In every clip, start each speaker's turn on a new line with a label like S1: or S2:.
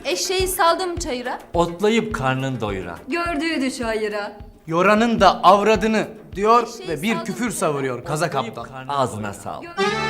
S1: Eşeği saldım çayıra.
S2: Otlayıp karnın doyuran.
S3: Gördüğü çayıra.
S4: Yoranın da avradını diyor
S1: Eşeği
S4: ve bir
S1: saldım
S4: küfür
S1: çayıra.
S4: savuruyor kaza
S2: Otlayıp
S4: kaptan.
S2: karnın Ağzına sağlık.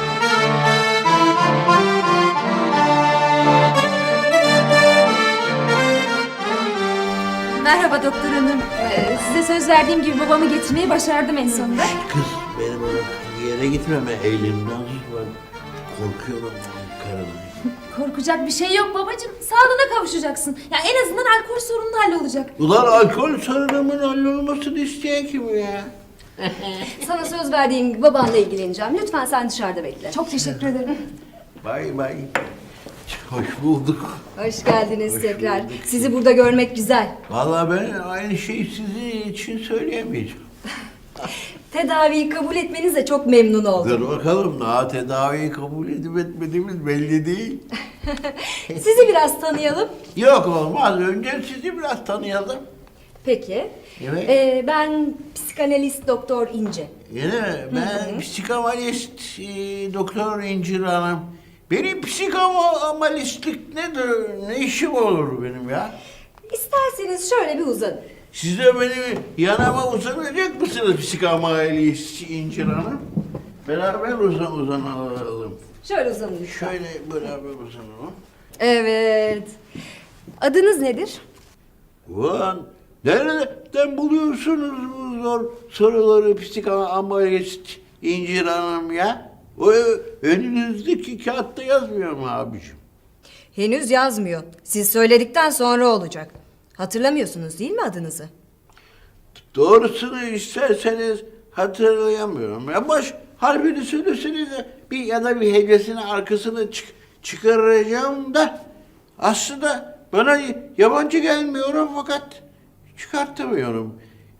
S1: Merhaba doktor hanım. Size söz verdiğim gibi babamı getirmeyi başardım en sonunda.
S5: Kız benim bir yere gitmeme elimden ben korkuyorum karımdan.
S1: Korkacak bir şey yok babacığım. Sağlığına kavuşacaksın. Ya en azından alkol sorunun hallolacak.
S5: Ulan alkol sorunumun hallolmasını isteyen kim ya?
S3: Sana söz verdiğim gibi babanla ilgileneceğim. Lütfen sen dışarıda bekle.
S1: Çok teşekkür ederim.
S5: Bay bay. Hoş bulduk.
S3: Hoş geldiniz
S5: Hoş
S3: tekrar.
S5: bulduk.
S3: Sizi burada görmek güzel.
S5: Vallahi ben aynı şeyi sizin için söyleyemeyeceğim.
S3: Tedaviyi kabul etmenize çok memnun oldum.
S5: Dur bakalım daha tedaviyi kabul edip etmediğimiz belli değil.
S3: Sizi biraz tanıyalım.
S5: Yok olmaz. Önce sizi biraz tanıyalım.
S3: Peki.
S5: Evet.
S3: Ben psikanalist doktor İnce.
S5: Yine ben psikanalist doktor İncir Hanım. Benim psikanalistlik nedir? Ne işim olur benim ya?
S3: İsterseniz şöyle bir uzanın.
S5: Siz de benim yanıma uzanacak mısınız psikanalist İncir Hanım? Beraber uzanalım.
S3: Şöyle uzanın lütfen.
S5: Şöyle beraber uzanalım.
S3: Evet. Adınız nedir?
S5: Ulan nereden buluyorsunuz bu zor soruları psikanalist İncir Hanım ya? O önünüzdeki kağıtta yazmıyor mu abiciğim?
S3: Henüz yazmıyor. Siz söyledikten sonra olacak. Hatırlamıyorsunuz değil mi adınızı?
S5: Doğrusunu isterseniz hatırlayamıyorum. Ya baş harfini söyleseniz de bir ya da bir hecesini arkasını çıkaracağım da aslında bana yabancı gelmiyorum fakat çıkartamıyorum.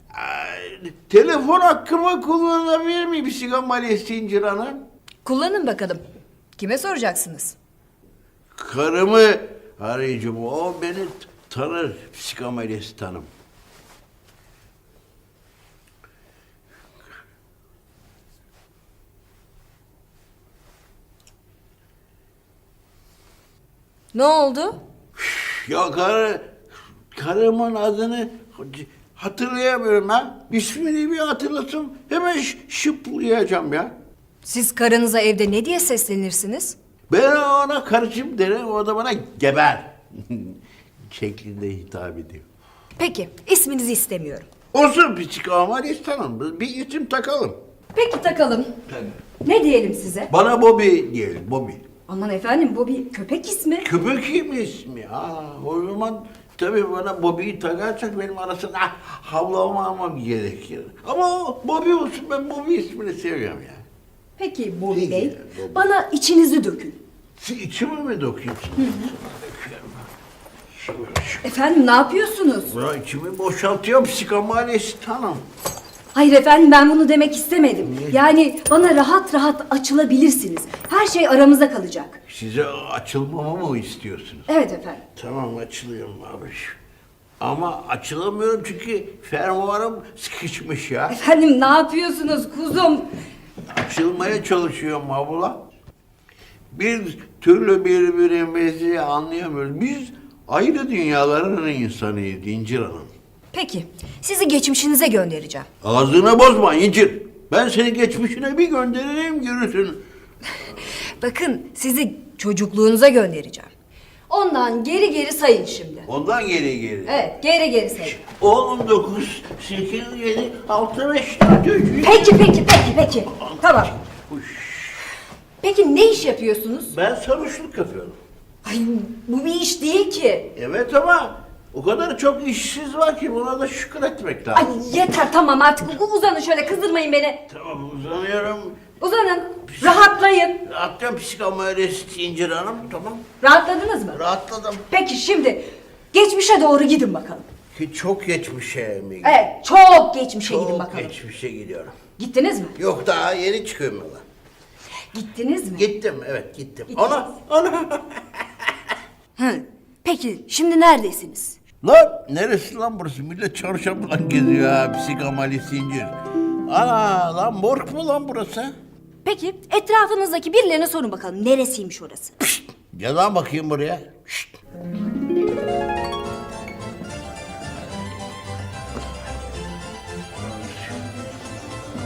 S5: Telefon hakkımı kullanabilir miyim psikanalist İncir Hanım?
S3: Kullanın bakalım. Kime soracaksınız?
S5: Karımı arayacağım. O beni tanır psikanalist hanım.
S3: Ne oldu?
S5: Ya karımın adını hatırlayamıyorum ha. İsmini bir hatırlasam hemen şıplayacağım ya.
S3: Siz karınıza evde ne diye seslenirsiniz?
S5: Ben ona karıcığım derim, o da bana geber şeklinde hitap ediyor.
S3: Peki, isminizi istemiyorum.
S5: Olsun psikanalist hanım, bir isim takalım.
S3: Peki takalım. Ne diyelim size?
S5: Bana Bobby diyelim, Bobby.
S3: Aman efendim bu bir köpek ismi.
S5: Köpek mi ismi? Ha, o zaman tabii bana Bobby'yi takarsak benim arasında havlamamam gerekir. Ama o Bobby olsun, ben Bobby ismini seviyorum ya.
S3: Peki Bobby
S5: Peki,
S3: Bey,
S5: Bobby.
S3: bana içinizi dökün.
S5: Siz içime mi döküyorsunuz? Döküyorum.
S3: Efendim ne yapıyorsunuz?
S5: Buna içimi boşaltıyorum psikanalist hanım.
S3: Hayır efendim ben bunu demek istemedim. Yani bana rahat rahat açılabilirsiniz. Her şey aramızda kalacak.
S5: Size açılmamı mı istiyorsunuz?
S3: Evet efendim.
S5: Tamam açılıyorum abi. Ama açılamıyorum çünkü fermuarım sıkışmış ya.
S3: Efendim ne yapıyorsunuz kuzum?
S5: Açılmaya çalışıyorum abla. Bir türlü birbirimizi anlayamıyoruz. Biz ayrı dünyaların insanıyız İncir Hanım.
S3: Peki sizi geçmişinize göndereceğim.
S5: Ağzını bozma İncir. Ben seni geçmişine bir gönderirim görürsün.
S3: Bakın sizi çocukluğunuza göndereceğim. Ondan geri geri sayın şimdi.
S5: Ondan geri.
S3: Evet geri geri sayın.
S5: 19, 8, 7, 6, 5, 4, 3.
S3: Peki. Tamam. Peki ne iş yapıyorsunuz?
S5: Ben sarhoşluk yapıyorum.
S3: Ay bu bir iş değil ki.
S5: Evet ama o kadar çok işsiz var ki buna da şükür etmek lazım.
S3: Ay yeter tamam artık uzanın şöyle kızdırmayın beni.
S5: Tamam uzanıyorum.
S3: Uzanın. Rahatlayın.
S5: Rahatlıyorum psikanalist İncir Hanım tamam.
S3: Rahatladınız mı?
S5: Rahatladım.
S3: Peki şimdi geçmişe doğru gidin bakalım.
S5: Ki çok geçmişe mi gidiyorum?
S3: Evet çok geçmişe gidin
S5: Çok
S3: bakalım.
S5: geçmişe gidiyorum.
S3: Gittiniz mi?
S5: Yok daha yeni çıkıyorum yola.
S3: Gittiniz mi?
S5: Gittim evet gittim.
S3: Gittiniz.
S5: Ana.
S3: Hı. Peki şimdi neredesiniz?
S5: Lan neresi lan burası? Millet çarşafla geziyor ha psikanalist İncir. Ana lan morg mu lan burası?
S3: Peki etrafınızdaki birilerine sorun bakalım neresiymiş orası?
S5: Gel lan bakayım buraya. Şşt.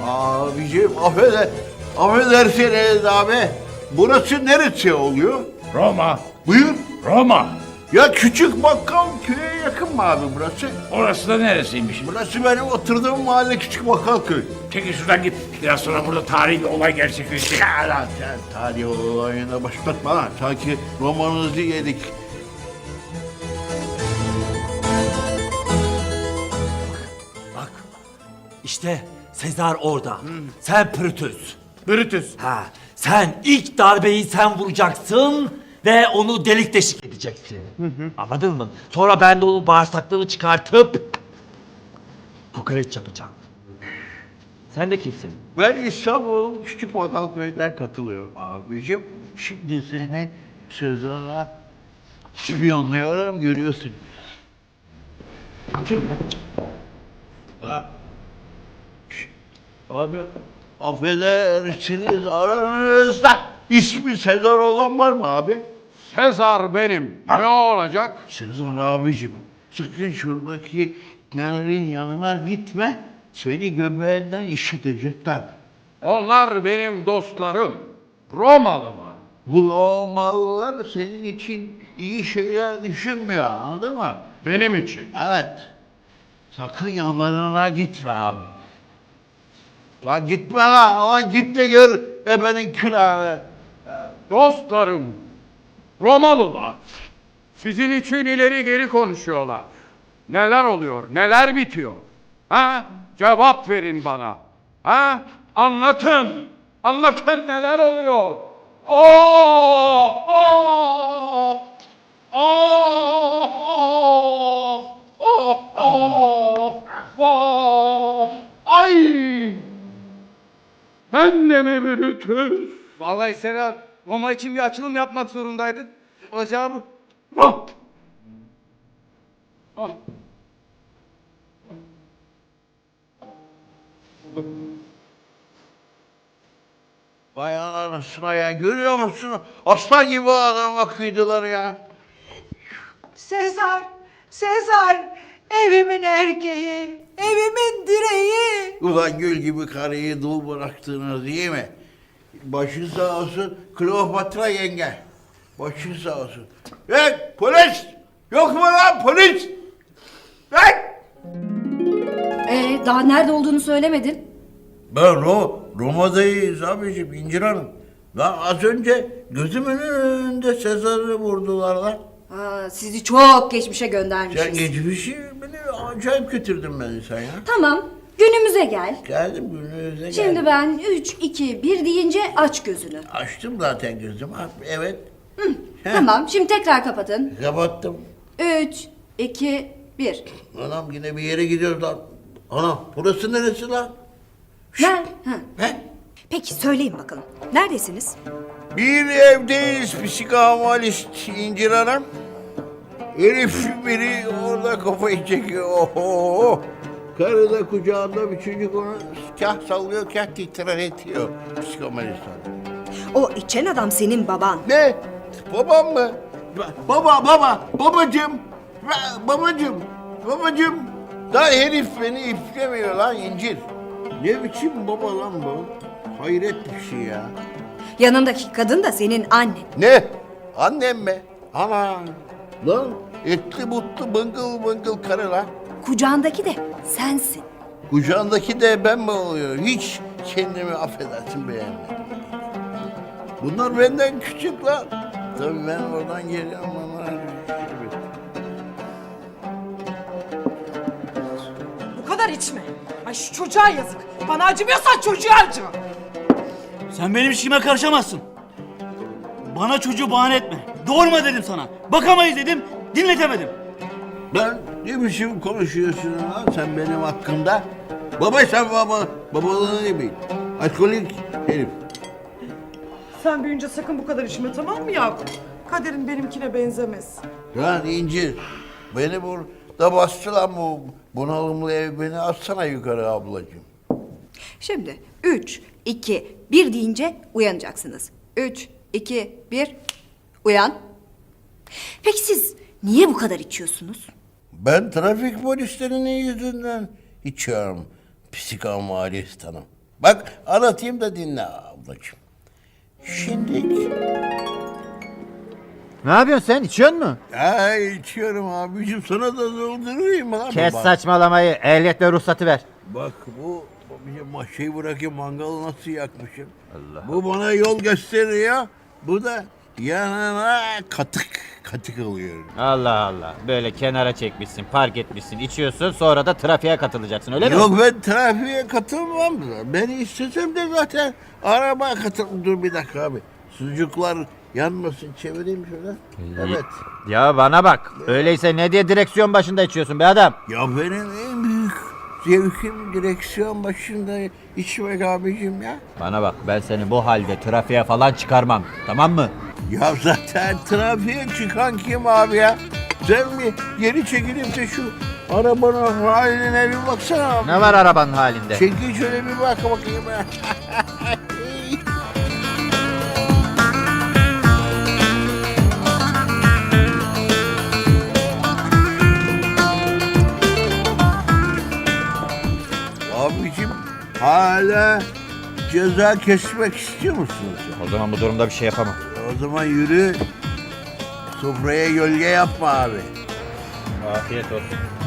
S5: Abicim affedersiniz abi. Burası neresi oluyor?
S6: Roma,
S5: Buyur.
S6: Roma.
S5: Ya küçük bakkal köye yakın mı abi burası?
S6: Orası da neresiymiş?
S5: Burası benim oturduğum mahalle küçük bakkal köy.
S6: Çekil şuradan git. Biraz sonra burada tarihi bir olay gerçekleşecek.
S5: Ya lan sen tarih olayına başlatma lan. Sanki romanınızı yedik.
S2: Bak. İşte Sezar orada. Sen Brutus.
S6: Brutus.
S2: Ha, sen ilk darbeyi sen vuracaksın ve onu delik deşik edeceksin. Anladın mı? Sonra ben de onun bağırsaklarını çıkartıp kokoreç yapacağım. Sen de kimsin?
S5: Ben İstanbul küçük bakkal köyden katılıyorum abicim. Şimdi senin sözlerine spiyonluyorum görüyorsun. Abi affedersiniz aranızda ismi Sezar olan var mı abi?
S6: Sezar benim. Ne olacak?
S5: Sezar abicim sakın şuradaki nenelerin yanına gitme. Seni göbeğinden işitecekler.
S6: Onlar benim dostlarım. Romalı mı?
S5: Bu Romalılar senin için iyi şeyler düşünmüyor anladın mı?
S6: Benim için.
S5: Evet. Sakın yanlarına gitme abi. Lan gitme lan git de gör efendim külahını.
S6: Dostlarım. Romalılar. Sizin için ileri geri konuşuyorlar. Neler oluyor? Neler bitiyor? Ha? Cevap verin bana. Ha? Anlatın. Anlatın neler oluyor? Oh! Oh! Oh! Oh! Oh! Oh! Ay! Ben de mi Brutus?
S4: Vallahi Serhat, Roma için bir açılım yapmak zorundaydın. Olacağı bu.
S6: Ah! Ah!
S5: Vay anasına ya görüyor musun? Aslan gibi adama kıydılar ya.
S7: Sezar, Sezar, evimin erkeği, evimin direği.
S5: Ulan gül gibi karıyı dul bıraktınız değil mi? Başın sağ olsun Kleopatra yenge. Başın sağ olsun. Hey polis! Yok mu lan polis? Hey!
S3: Daha nerede olduğunu söylemedin.
S5: Ben Roma'dayız abiciğim İncir Hanım. Lan az önce gözümün önünde Sezar'ı vurdular lan.
S3: Sizi çok geçmişe göndermişiz.
S5: Sen geçmişi beni acayip götürdün beni sen ya.
S3: Tamam, günümüze gel.
S5: Geldim gününüze geldim.
S3: Şimdi ben 3, 2, 1 deyince aç gözünü.
S5: Açtım zaten gözümü. Evet. Heh.
S3: Tamam, şimdi tekrar kapatın.
S5: Kapattım.
S3: 3, 2, 1.
S5: Anam yine bir yere gidiyoruz lan. Anam burası neresi lan?
S3: Ne?
S5: He?
S7: Peki söyleyin bakalım, neredesiniz?
S5: Bir evdeyiz psikanalist İncir Hanım. Herif biri orada kafayı çekiyor. Oho. Karı da kucağında bir çocuk onu kah sallıyor kah titretiyor. Psikanalist hanım.
S7: O içen adam senin baban.
S5: Ne? Babam mı? Babacığım. Babacığım. Daha herif beni iplemiyor lan İncir. Ne biçim baba lan bu? Hayret bir şey ya.
S7: Yanındaki kadın da senin annen.
S5: Ne? Annem mi? Ana. Lan etli butlu bıngıl bıngıl karı lan.
S7: Kucağındaki de sensin.
S5: Kucağındaki de ben mi oluyorum? Hiç kendimi affedersin beğenmedim. Bunlar benden küçük lan. Tabii ben oradan geliyorum ama.
S8: Bu kadar içme. Ay şu çocuğa yazık. Bana acımıyorsan çocuğa acı.
S9: Sen benim işime karışamazsın. Bana çocuğu bahane etme. Doğurma dedim sana. Bakamayız dedim, dinletemedim.
S5: Lan ne biçim konuşuyorsun lan sen benim hakkımda? Baba sen babalığını ne bil? Alkolik herif.
S8: Sen büyüyünce sakın bu kadar içme, tamam mı Yakup? Kaderin benimkine benzemez.
S5: Lan İncir, beni burada bastı lan bu bunalımlı ev, beni atsana yukarı ablacığım.
S7: Şimdi 3, 2, 1 deyince uyanacaksınız. 3, 2, 1, uyan. Peki siz niye bu kadar içiyorsunuz?
S5: Ben trafik polislerinin yüzünden içiyorum psikanalist hanım. Bak anlatayım da dinle ablacığım. Şimdi...
S10: Ne yapıyorsun sen? İçiyor musun?
S5: Ya içiyorum abicim, sana da doldurayım abi.
S10: Kes
S5: Bak.
S10: saçmalamayı. Ehliyet ve ruhsatı ver.
S5: Bak bu bir şey bırakayım, mangalı nasıl yakmışım. Bu bana yol gösteriyor. Bu da yanına katık alıyorum.
S10: Allah Allah. Böyle kenara çekmişsin, park etmişsin, içiyorsun. Sonra da trafiğe katılacaksın öyle mi?
S5: Yok, ben trafiğe katılmam. Ben istesem de zaten arabaya katılmam. Dur bir dakika abi. Sucuklar yanmasın, çevireyim şöyle. Evet.
S10: Ya bana bak. Öyleyse ne diye direksiyon başında içiyorsun be adam?
S5: Ya benim en büyük zevkim direksiyon başında içmek abicim ya.
S10: Bana bak, ben seni bu halde trafiğe falan çıkarmam. Tamam mı?
S5: Ya zaten trafiğe çıkan kim abi ya? Sen mi geri çekilip de şu arabanın haline bir baksana abi.
S10: Ne var arabanın halinde?
S5: Çekil şöyle bir bak bakayım ya. Abicim hala ceza kesmek istiyor musunuz?
S10: O zaman bu durumda bir şey yapamam.
S5: O zaman yürü. Sofraya gölge yapma abi.
S10: Afiyet olsun.